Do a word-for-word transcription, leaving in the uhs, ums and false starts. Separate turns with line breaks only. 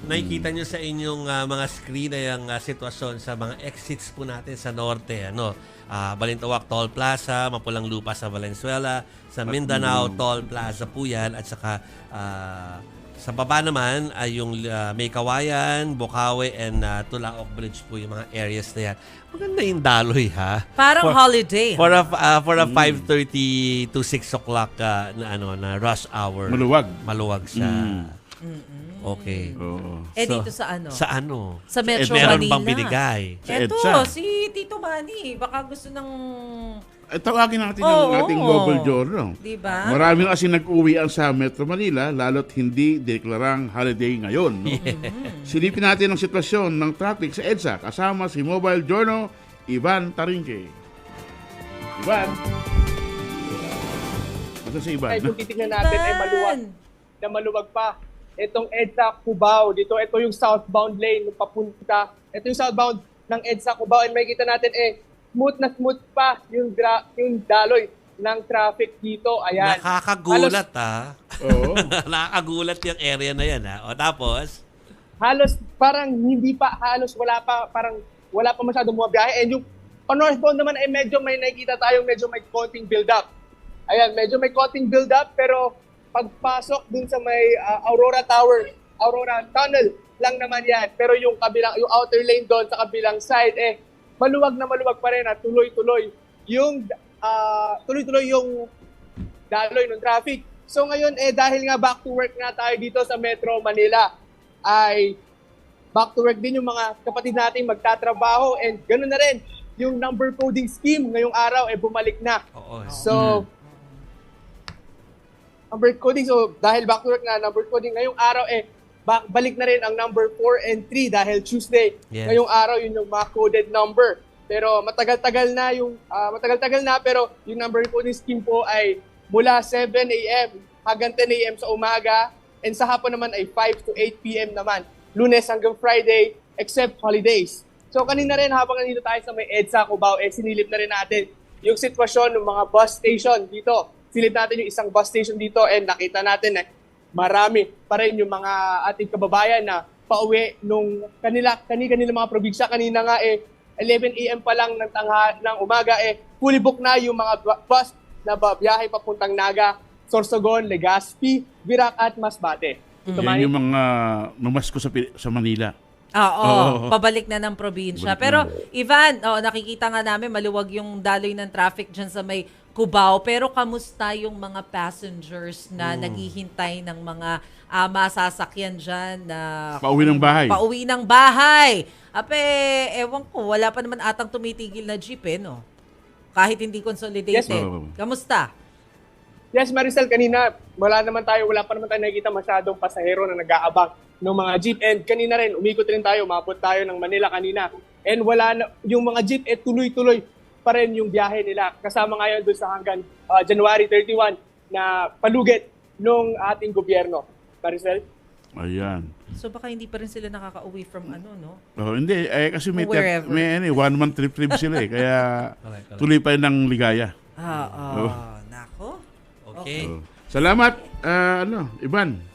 nakikita nyo sa inyong uh, mga screen ay ang uh, sitwasyon sa mga exits po natin sa norte. Ano? Uh, Balintawak Toll Plaza, Mapulang Lupa sa Valenzuela, sa Mindanao Toll Plaza po yan, at saka uh, sa baba naman ay yung uh, May Kawayan, Bocaue, and uh, Tulaok Bridge po yung mga areas na yan. Maganda yung daloy, ha?
Parang
for,
holiday.
For a, uh, for a mm. five thirty to six o'clock uh, na, ano, na rush hour.
Maluwag.
Maluwag siya.
Mm.
Okay.
Oo.
Eh
So,
dito sa ano?
Sa ano?
Sa Metro
Meron
Manila.
bang binigay?
Sa
Eto,
EDSA.
si Tito Manny. Baka gusto ng...
Eh, tawagin natin
Oo.
ang ating global journal.
Diba?
Marami na kasi nag-uwian sa Metro Manila, lalo't hindi deklarang holiday ngayon. No? Silipin natin ang sitwasyon ng traffic sa EDSA kasama si Mobile Journal, Ivan Tarinque. Ivan? Ito si Ivan.
Ay, kung titignan natin, ay maluwag na maluwag pa. Itong EDSA Cubao, dito, ito yung southbound lane, yung papunta. Ito yung southbound ng EDSA Cubao, and makikita natin, eh, smooth na smooth pa yung, gra- yung daloy ng traffic dito. Ayan.
Nakakagulat, ha?
Oo.
Nakakagulat yung area na yan, ha? O tapos?
Halos parang hindi pa, halos wala pa, parang wala pa masyadong mga biyahe. And yung on northbound naman ay medyo may nakikita tayong medyo may konting build-up. Ayan, medyo may konting build-up, pero pagpasok dun sa may uh, Aurora Tower, Aurora Tunnel lang naman yan. Pero yung kabilang, yung outer lane doon sa kabilang side, eh, maluwag na maluwag pa rin at tuloy-tuloy yung uh, tuloy-tuloy yung daloy ng traffic. So ngayon eh dahil nga back to work nga tayo dito sa Metro Manila, ay back to work din yung mga kapatid nating magtatrabaho, and ganoon na rin yung number coding scheme ngayong araw eh bumalik na.
Oo.
So number coding, so dahil back to work na number coding ngayong araw eh Ba- balik na rin ang number four and three dahil Tuesday.
Yes.
Ngayong araw yun yung mga coded number. Pero matagal-tagal na yung uh, matagal-tagal na pero yung number coding scheme po ay mula seven a.m. hanggang ten a.m. sa umaga, and sa hapon naman ay five to eight p.m. naman. Lunes hanggang Friday except holidays. So kanina rin habang nandito tayo sa may EDSA Cubao, eh sinilip na rin natin yung sitwasyon ng mga bus station dito. Silip natin yung isang bus station dito, and nakita natin eh marami pa rin yung mga ating kababayan na pauwi nung kanila, kanila mga probinsya. Kanina nga eh, eleven a.m. pa lang ng, tangha, ng umaga eh, fully book na yung mga bus na biyahe papuntang Naga, Sorsogon, Legazpi, Virac at Masbate.
Mm. Yan yung mga numasko sa, sa Manila.
Oo,
Oo.
pabalik na ng probinsya.
Balik
Pero
na.
Ivan, oh, nakikita nga namin maluwag yung daloy ng traffic dyan sa may Cubao. Pero kamusta yung mga passengers na
Hmm.
naghihintay ng mga uh, masasakyan dyan na
Pauwi ng bahay.
Pauwi ng bahay. Ape, ewan ko, wala pa naman atang tumitigil na jeep eh, no? Kahit hindi consolidated.
Yes,
ma'am.
Kamusta?
Yes, Maricel, kanina wala naman tayo, wala pa naman tayo nakikita masyadong pasahero na nag-aabang ng mga jeep. And kanina rin, umikot rin tayo, umabot tayo ng Manila kanina. And wala na, yung mga jeep, eh tuloy-tuloy pa rin yung biyahe nila. Kasama ngayon doon sa hanggang uh, January thirty-first na palugit ng ating gobyerno. Maricel?
Ayan.
So baka hindi pa rin sila nakaka-uwi from ano, no?
Oh, hindi, eh, kasi may,
Wherever.
may ano, one month trip trip sila eh. Kaya
Correct, correct.
tuloy pa yun ng ligaya.
Ah,
Oh.
nako.
Okay.
Oh. Salamat, ah, ano, Ivan.